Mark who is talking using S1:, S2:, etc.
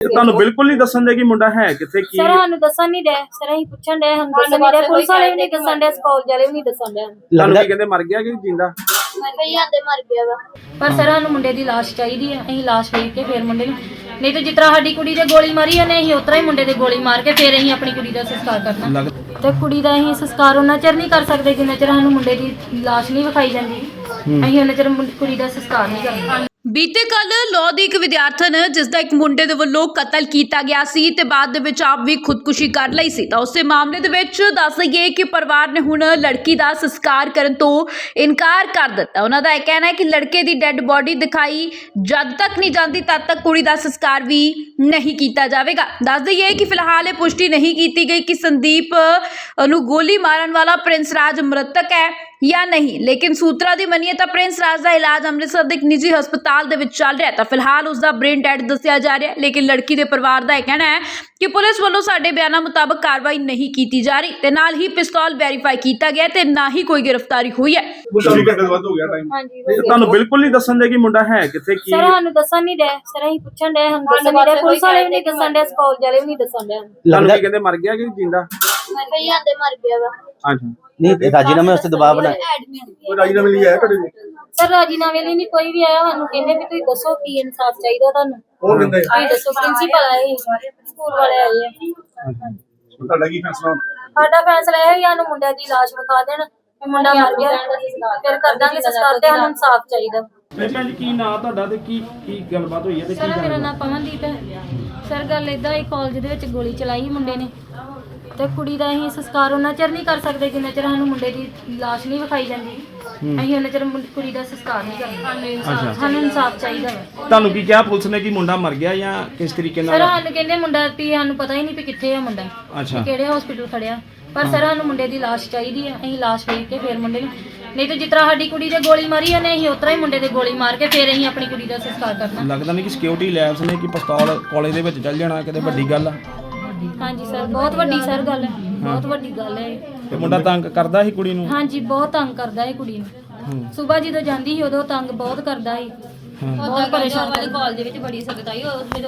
S1: ਤੁਹਾਨੂੰ ਬਿਲਕੁਲ ਨਹੀਂ ਦੱਸਣ ਦੇ ਕਿ ਮੁੰਡਾ ਹੈ ਕਿੱਥੇ ਕੀ?
S2: ਸਰ ਸਾਨੂੰ ਦੱਸਣ ਨਹੀਂ ਦੇ ਸਰ, ਅਸੀਂ ਪੁੱਛਣ ਦੇ ਸਾਨੂੰ ਦੱਸਣ ਨਹੀਂ ਦੇ, ਪੁਲਿਸ ਵਾਲੇ ਵੀ ਨਹੀਂ ਦੱਸਣ ਦੇ, ਕਾਲਜ ਵਾਲੇ ਵੀ ਨਹੀਂ ਦੱਸਣ ਦੇ।
S1: ਤੁਹਾਨੂੰ ਕੀ ਕਹਿੰਦੇ, ਮਰ ਗਿਆ ਕਿ ਜਿੰਦਾ?
S2: ਮਰ ਗਿਆ ਵਾ। ਪਰ ਸਰ ਸਾਨੂੰ ਮੁੰਡੇ ਦੀ ਲਾਸ਼ ਚਾਹੀਦੀ ਹੈ, ਅਸੀਂ ਲਾਸ਼ ਵੇਖ ਕੇ ਫਿਰ ਮੁੰਡੇ ਨੂੰ, ਨਹੀਂ ਤਾਂ ਜਿਸ ਤਰ੍ਹਾਂ ਸਾਡੀ ਕੁੜੀ ਦੇ ਗੋਲੀ ਮਾਰੀ ਉਹਨੇ, ਅਸੀਂ ਉਤਰਾ ਹੀ ਮੁੰਡੇ ਦੇ ਗੋਲੀ ਮਾਰ ਕੇ ਫਿਰ ਅਸੀਂ ਆਪਣੀ ਕੁੜੀ ਦਾ ਸੰਸਕਾਰ ਕਰਨਾ। ਤੇ ਕੁੜੀ ਦਾ ਅਸੀਂ ਸੰਸਕਾਰ ਉਹਨਾਂ ਚਿਰ ਨਹੀਂ ਕਰ ਸਕਦੇ ਜਿੰਨਾ ਚਿਰ ਸਾਨੂੰ ਮੁੰਡੇ ਦੀ ਲਾਸ਼ ਨਹੀਂ ਵਿਖਾਈ ਜਾਂਦੀ, ਅਸੀਂ ਉਹਨਾਂ ਚਿਰ ਕੁੜੀ ਦਾ ਸੰਸਕਾਰ ਨਹੀਂ ਕਰਨਾ।
S3: ਬੀਤੇ ਕੱਲ ਲਾਅ ਦੀ ਇੱਕ ਵਿਦਿਆਰਥਣ ਜਿਸ ਦਾ ਇੱਕ ਮੁੰਡੇ ਦੇ ਵੱਲੋਂ ਕਤਲ ਕੀਤਾ ਗਿਆ ਸੀ ਤੇ ਬਾਅਦ ਦੇ ਵਿੱਚ ਆਪ ਵੀ ਖੁਦਕੁਸ਼ੀ ਕਰ ਲਈ ਸੀ, ਤਾਂ ਉਸੇ ਮਾਮਲੇ ਦੇ ਵਿੱਚ ਦੱਸ ਦਈਏ ਕਿ ਪਰਿਵਾਰ ਨੇ ਹੁਣ ਲੜਕੀ ਦਾ ਸੰਸਕਾਰ ਕਰਨ ਤੋਂ ਇਨਕਾਰ ਕਰ ਦਿੱਤਾ। ਉਹਨਾਂ ਦਾ ਇਹ ਕਹਿਣਾ ਹੈ ਕਿ ਲੜਕੇ ਦੀ ਡੈੱਡ ਬੋਡੀ ਦਿਖਾਈ ਜਦ ਤੱਕ ਨਹੀਂ ਜਾਂਦੀ ਤਦ ਤੱਕ ਕੁੜੀ ਦਾ ਸੰਸਕਾਰ ਵੀ ਨਹੀਂ ਕੀਤਾ ਜਾਵੇਗਾ। ਦੱਸ ਦਈਏ ਕਿ ਫਿਲਹਾਲ ਇਹ ਪੁਸ਼ਟੀ ਨਹੀਂ ਕੀਤੀ ਗਈ ਕਿ ਸੰਦੀਪ ਨੂੰ ਗੋਲੀ ਮਾਰਨ ਵਾਲਾ ਪ੍ਰਿੰਸ ਰਾਜ ਮ੍ਰਿਤਕ ਹੈ ਜਾਂ ਨਹੀਂ, ਲੇਕਿਨ ਸੂਤਰਾਂ ਦੀ ਮੰਨੀਏ ਤਾਂ ਪ੍ਰਿੰਸ ਰਾਜ ਦਾ ਇਲਾਜ ਅੰਮ੍ਰਿਤਸਰ ਦੇ ਇੱਕ ਨਿੱਜੀ ਹਸਪਤਾਲ ਦੇ ਵਿੱਚ ਚੱਲ ਰਿਹਾ, ਤਾਂ ਫਿਲਹਾਲ ਉਸ ਦਾ ਬ੍ਰੇਨ ਡੈਡ ਦੱਸਿਆ ਜਾ ਰਿਹਾ, ਲੇਕਿਨ ਲੜਕੀ ਦੇ ਪਰਿਵਾਰ ਦਾ ਇਹ ਕਹਿਣਾ ਹੈ ਕਿ ਪੁਲਿਸ ਵੱਲੋਂ ਸਾਡੇ ਬਿਆਨਾਂ ਮੁਤਾਬਕ ਕਾਰਵਾਈ ਨਹੀਂ ਕੀਤੀ ਜਾ ਰਹੀ ਤੇ ਨਾਲ ਹੀ ਪਿਸਤੌਲ ਵੈਰੀਫਾਈ ਕੀਤਾ ਗਿਆ ਤੇ ਨਾ ਹੀ ਕੋਈ ਗ੍ਰਿਫਤਾਰੀ ਹੋਈ ਹੈ।
S1: ਤੁਹਾਨੂੰ ਬਿਲਕੁਲ ਨਹੀਂ ਦੱਸਣ ਦੇ ਕਿ ਮੁੰਡਾ ਹੈ ਕਿੱਥੇ ਕੀ?
S2: ਸਰ ਸਾਨੂੰ ਦੱਸਣ ਨਹੀਂ ਦੇ ਸਰ, ਅਸੀਂ ਪੁੱਛਣ ਦੇ ਸਾਨੂੰ ਦੱਸਣ ਨਹੀਂ ਦੇ, ਪੁਲਿਸ ਵਾਲੇ ਵੀ ਨਹੀਂ ਦੱਸਣ ਦੇ, ਕਾਲਜ ਵਾਲੇ ਵੀ ਨਹੀਂ ਦੱਸਣ ਦੇ।
S1: ਤੁਹਾਨੂੰ ਕੀ ਕਹਿੰਦੇ, ਮਰ ਗਿਆ ਕਿ ਜਿੰਦਾ?
S2: ਮਰ ਗਿਆ ਵਾ।
S1: ਅੱਛਾ,
S4: नहीं राजीनामे वास्ते दबाव बना
S1: ਕੋਈ ਰਾਜੀਨਾਮੇ ਲਈ ਆਇਆ ਤੁਹਾਡੇ?
S2: ਸਰ ਰਾਜੀਨਾਮੇ ਲਈ ਨਹੀਂ ਕੋਈ ਵੀ ਆਇਆ, ਸਾਨੂੰ ਕਹਿੰਦੇ ਵੀ ਤੁਸੀਂ ਦੱਸੋ ਕੀ ਇਨਸਾਫ ਚਾਹੀਦਾ ਤੁਹਾਨੂੰ,
S1: ਉਹ ਕਹਿੰਦੇ
S2: ਤੁਸੀਂ ਦੱਸੋ। ਪ੍ਰਿੰਸੀਪਲ ਆਏ, ਸਕੂਲ ਵਾਲੇ ਆਏ ਆ।
S1: ਤੁਹਾਡਾ ਕੀ ਫੈਸਲਾ?
S2: ਸਾਡਾ ਫੈਸਲਾ ਇਹ ਹੈ ਸਾਨੂੰ ਮੁੰਡਿਆਂ ਦੀ ਲਾਸ਼ ਵਿਖਾ ਦੇਣ, ਵੀ ਮੁੰਡਾ ਮਰ ਗਿਆ, ਫਿਰ ਕਰ ਦਾਂਗੇ ਸੰਸਕਾਰ, ਤੇ ਸਾਨੂੰ ਇਨਸਾਫ ਚਾਹੀਦਾ।
S1: ਭੈਣ ਜੀ ਕੀ ਨਾਂ ਤੁਹਾਡਾ ਤੇ ਕੀ ਕੀ ਗੱਲਬਾਤ ਹੋਈ ਹੈ ਤੇ
S2: ਸਰ ਮੇਰਾ ਨਾਮ ਪਵਨਦੀਪ ਹੈ। ਸਰ ਗੱਲ ਇਦਾਂ ਹੀ, ਕਾਲਜ ਦੇ ਵਿੱਚ ਗੋਲੀ ਚਲਾਈ ਮੁੰਡੇ ਨੇ ਤੇ ਕੁੜੀ ਦਾ ਅਸੀਂ ਸੰਸਕਾਰ ਉਹਨਾਂ ਚਿਰ ਨਹੀਂ ਕਰ ਸਕਦੇ ਜਿੰਨਾ ਚਿਰ ਸਾਨੂੰ ਮੁੰਡੇ ਦੀ ਲਾਸ਼ ਨਹੀਂ ਵਿਖਾਈ ਜਾਂਦੀ, ਅਸੀਂ ਉਹਨਾਂ ਚਿਰ ਕੁੜੀ ਦਾ ਸੰਸਕਾਰ ਨਹੀਂ ਕਰਦੇ। ਸਾਨੂੰ ਇਨਸਾਫ ਚਾਹੀਦਾ ਵਾ।
S1: ਤੁਹਾਨੂੰ ਕੀ ਕਿਹਾ ਪੁਲਿਸ ਨੇ ਕਿ ਮੁੰਡਾ ਮਰ ਗਿਆ ਜਾਂ ਕਿਸ ਤਰੀਕੇ
S2: ਸਰ
S1: ਨਾਲ?
S2: ਸਾਨੂੰ ਕਹਿੰਦੇ ਮੁੰਡਾ ਵੀ ਸਾਨੂੰ ਪਤਾ ਹੀ ਨਹੀਂ ਵੀ ਕਿੱਥੇ ਆ ਮੁੰਡਾ,
S1: ਅੱਛਾ,
S2: ਕਿਹੜੇ ਹਸਪੀਟਲ ਖੜਿਆ, ਪਰ ਸਰ ਸਾਨੂੰ ਮੁੰਡੇ ਦੀ ਲਾਸ਼ ਚਾਹੀਦੀ ਹੈ, ਅਸੀਂ ਲਾਸ਼ ਵੇਖ ਕੇ ਫਿਰ ਮੁੰਡੇ ਨੂੰ, ਨਹੀਂ ਤਾਂ ਜਿਸ ਤਰ੍ਹਾਂ ਸਾਡੀ ਕੁੜੀ ਦੇ ਗੋਲੀ ਮਾਰੀ ਉਹਨੇ, ਅਸੀਂ ਉਤਰਾ ਹੀ ਮੁੰਡੇ ਦੇ ਗੋਲੀ ਮਾਰ ਕੇ ਫਿਰ ਅਸੀਂ ਆਪਣੀ ਕੁੜੀ ਦਾ ਸੰਸਕਾਰ ਕਰਨਾ।
S1: ਲੱਗਦਾ ਨਹੀਂ ਕਿ ਸਿਕਿਉਰਿਟੀ ਲੈਬਸ ਨੇ ਕਿ ਪਿਸਤੌਲ ਕਾਲਜ ਦੇ ਵਿੱਚ ਚੱਲ ਜਾਣਾ ਕਿਤੇ ਵੱਡੀ ਗੱਲ ਆ?
S2: ਹਾਂਜੀ ਸਰ, ਬਹੁਤ ਵੱਡੀ ਸਰ ਗੱਲ ਹੈ, ਬਹੁਤ ਵੱਡੀ ਗੱਲ ਹੈ।
S1: ਤੇ ਮੁੰਡਾ ਤੰਗ ਕਰਦਾ ਸੀ ਕੁੜੀ ਨੂੰ?
S2: ਹਾਂਜੀ ਬਹੁਤ ਤੰਗ ਕਰਦਾ ਹੈ ਕੁੜੀ ਨੂੰ, ਸਵੇਰ ਜਦੋਂ ਜਾਂਦੀ ਸੀ ਉਦੋਂ ਤੰਗ ਬਹੁਤ ਕਰਦਾ ਸੀ, ਬਹੁਤ ਪਰੇਸ਼ਾਨ।
S5: ਕਾਲਜ ਵਿੱਚ ਬੜੀ ਸਖਤਾਈ